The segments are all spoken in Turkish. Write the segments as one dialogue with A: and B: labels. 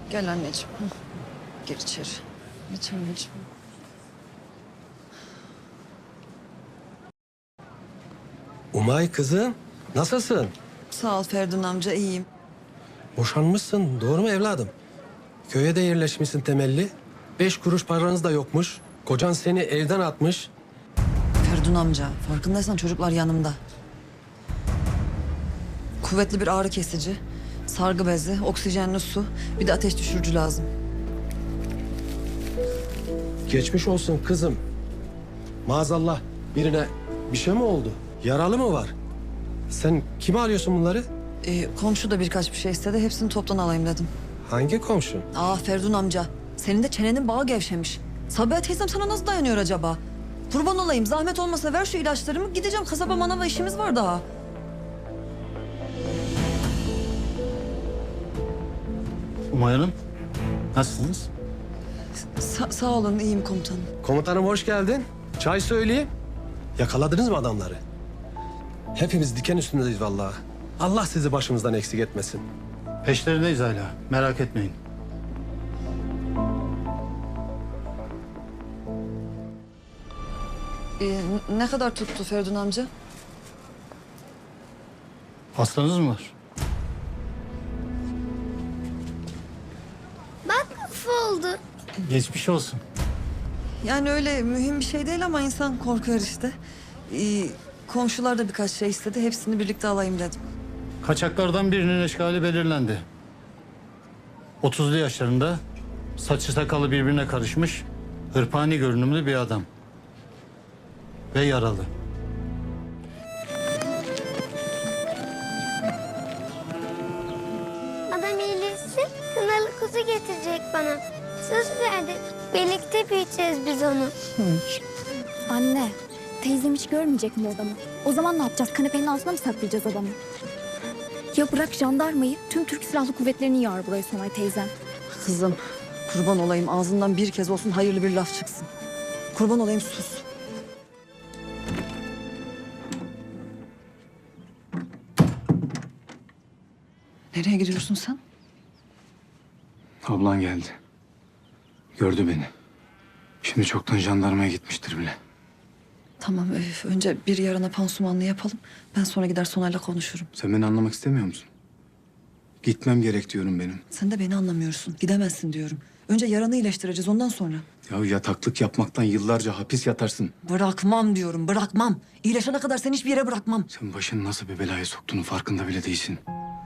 A: Gel anneciğim. Hı. Gir içeri. Geç anneciğim.
B: Umay kızım, nasılsın?
A: Sağ ol Ferdun amca, iyiyim.
B: Boşanmışsın, doğru mu evladım? Köye de yerleşmişsin temelli. 5 kuruş paranız da yokmuş. Kocan seni evden atmış.
A: Ferdun amca, farkındaysan çocuklar yanımda. Kuvvetli bir ağrı kesici, sargı bezi, oksijenli su, bir de ateş düşürücü lazım.
B: Geçmiş olsun kızım. Maazallah birine bir şey mi oldu? Yaralı mı var? Sen kime arıyorsun bunları?
A: Komşu da birkaç bir şey istedi, hepsini toptan alayım dedim.
B: Hangi komşu?
A: Ferdun amca, senin de çenenin bağı gevşemiş. Sabiha teyzem sana nasıl dayanıyor acaba? Kurban olayım, zahmet olmasa ver şu ilaçlarımı, gideceğim kasaba manava, işimiz var daha.
C: Umay Hanım, nasılsınız?
A: Sağ olun, iyiyim komutanım.
B: Komutanım hoş geldin. Çay söyleyeyim. Yakaladınız mı adamları? Hepimiz diken üstündeyiz vallahi. Allah sizi başımızdan eksik etmesin.
C: Peşlerindeyiz hala, merak etmeyin.
A: Ne kadar tuttu Ferdun amca?
C: Hastanız mı var?
D: Bak oldu.
C: Geçmiş olsun.
A: Yani öyle mühim bir şey değil ama insan korkuyor işte. Komşular da birkaç şey istedi. Hepsini birlikte alayım dedim.
C: Kaçaklardan birinin eşkali belirlendi. 30'lu yaşlarında, saçı sakalı birbirine karışmış, hırpani görünümlü bir adam. Ve yaralı.
D: Adam iyileşsin, kınalı kuzu getirecek bana. Söz verdi. Birlikte büyüteceğiz biz onu.
E: Anne, teyzem hiç görmeyecek mi adamı? O zaman ne yapacağız? Kanepenin altına mı saklayacağız adamı? Ya bırak jandarmayı, tüm Türk Silahlı Kuvvetleri'ni yağar buraya Sonay teyzem.
A: Kızım, kurban olayım ağzından bir kez olsun hayırlı bir laf çıksın. Kurban olayım sus. Nereye gidiyorsun sen?
F: Ablan geldi. Gördü beni. Şimdi çoktan jandarmaya gitmiştir bile.
A: Tamam, önce bir yarana pansumanlı yapalım. Ben sonra gider Sonay'la konuşurum.
F: Sen beni anlamak istemiyor musun? Gitmem gerek diyorum benim.
A: Sen de beni anlamıyorsun. Gidemezsin diyorum. Önce yaranı iyileştireceğiz, ondan sonra.
F: Ya yataklık yapmaktan yıllarca hapis yatarsın.
A: Bırakmam diyorum, bırakmam. İyileşene kadar seni hiçbir yere bırakmam.
F: Sen başını nasıl bir belaya soktuğunu farkında bile değilsin.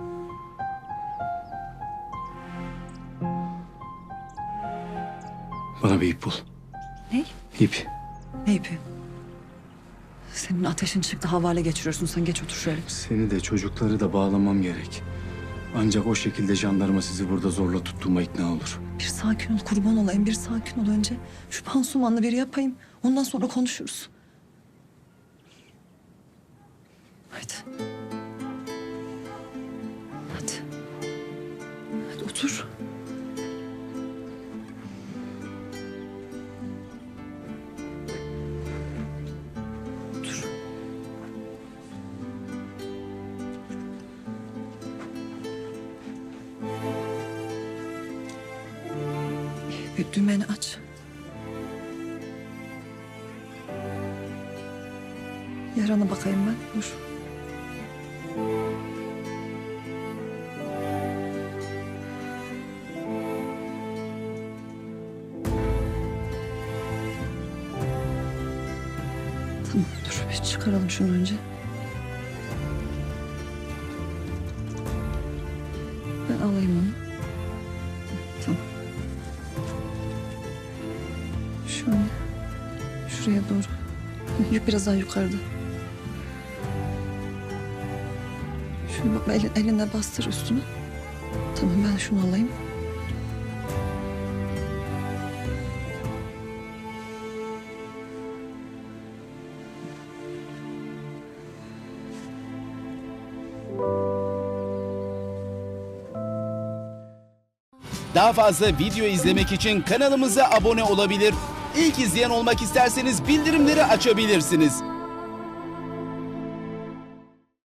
F: Bana bir ip bul.
A: Ne?
F: İp.
A: Ne ipi? Senin ateşin çıktı, havale geçiriyorsun. Sen geç otur şöyle.
F: Seni de çocukları da bağlamam gerek. Ancak o şekilde jandarma sizi burada zorla tuttuğuma ikna olur.
A: Bir sakin ol, kurban olayım. Bir sakin ol önce. Şu pansumanlı bir yapayım. Ondan sonra konuşuruz. Haydi. Hadi. Hadi otur. Otur. Bir dümeni aç. Yarana bakayım ben. Dur. Tamam, dur bir çıkaralım şunu önce. Ben alayım onu. Tamam. Şöyle. Şuraya doğru. Yük biraz daha yukarıda. Şunu bak, eline bastır üstüne. Tamam, ben şunu alayım.
G: Daha fazla video izlemek için kanalımıza abone olabilir. İlk izleyen olmak isterseniz bildirimleri açabilirsiniz.